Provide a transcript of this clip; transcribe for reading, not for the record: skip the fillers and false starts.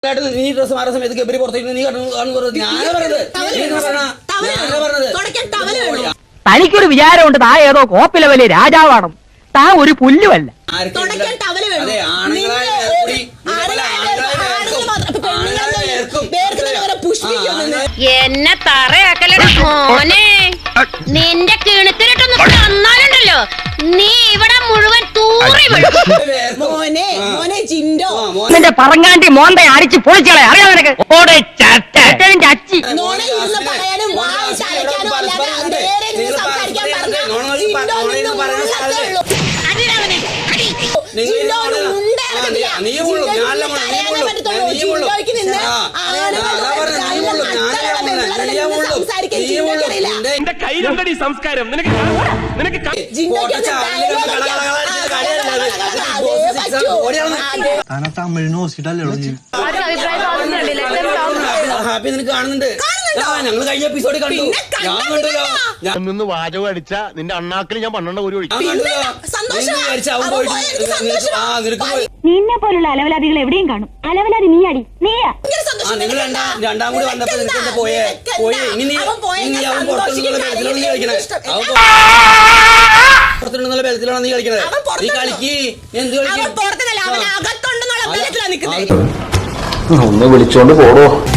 നീ ഡ്രസ് മാറുന്ന സമയത്ത് ഗബ്രി പുറത്തേക്ക് നീ തനിക്കൊരു വിചാരമുണ്ട് താ ഏതോ കോപ്പിലെ വലിയ രാജാവാണ്. താ ഒരു പുല്ലുമല്ല. എന്നെ തറയാക്കലട മോനെ. നിന്റെ കിണത്തിലിട്ടൊന്ന് തന്നാലുണ്ടല്ലോ നീ ഇവിടെ മുഴുവൻ തൂറി നിന്റെ പറങ്ങാണ്ടി മോന്തെ അടിച്ച് പൊളിച്ചളെ അറിയാം നിനക്ക്. അച്ചി കയ്യിലുണ്ടടി സംസ്കാരം. നിനക്ക് ഹാപ്പി നിനക്ക് കാണുന്നുണ്ട്. ഞങ്ങൾ കഴിഞ്ഞ എപ്പിസോഡ് കണ്ടു. ഞാൻ നിന്ന് വാചകം അടിച്ച നിന്റെ അണ്ണാക്കിൽ ഞാൻ 12 ഒരു നിന്നെ പോലുള്ള അലവലാദികൾ എവിടെയും കാണും. അലവലാതി നീ അടി നീയാ. നിങ്ങൾ രണ്ടാം കൂടി വന്നപ്പോ നിനക്ക് പോയേ ഇനി അവൻ പുറത്തുനിന്നുള്ള ബലത്തിലാണ് നീ കളിക്കണേ. പുറത്തുനിന്നുള്ള ബലത്തിലാണ് നീ കളിക്കണത്. നീ കളിക്ക്. എന്ത് കളിക്കും? ഒന്ന് വിളിച്ചോണ്ട് പോടോ.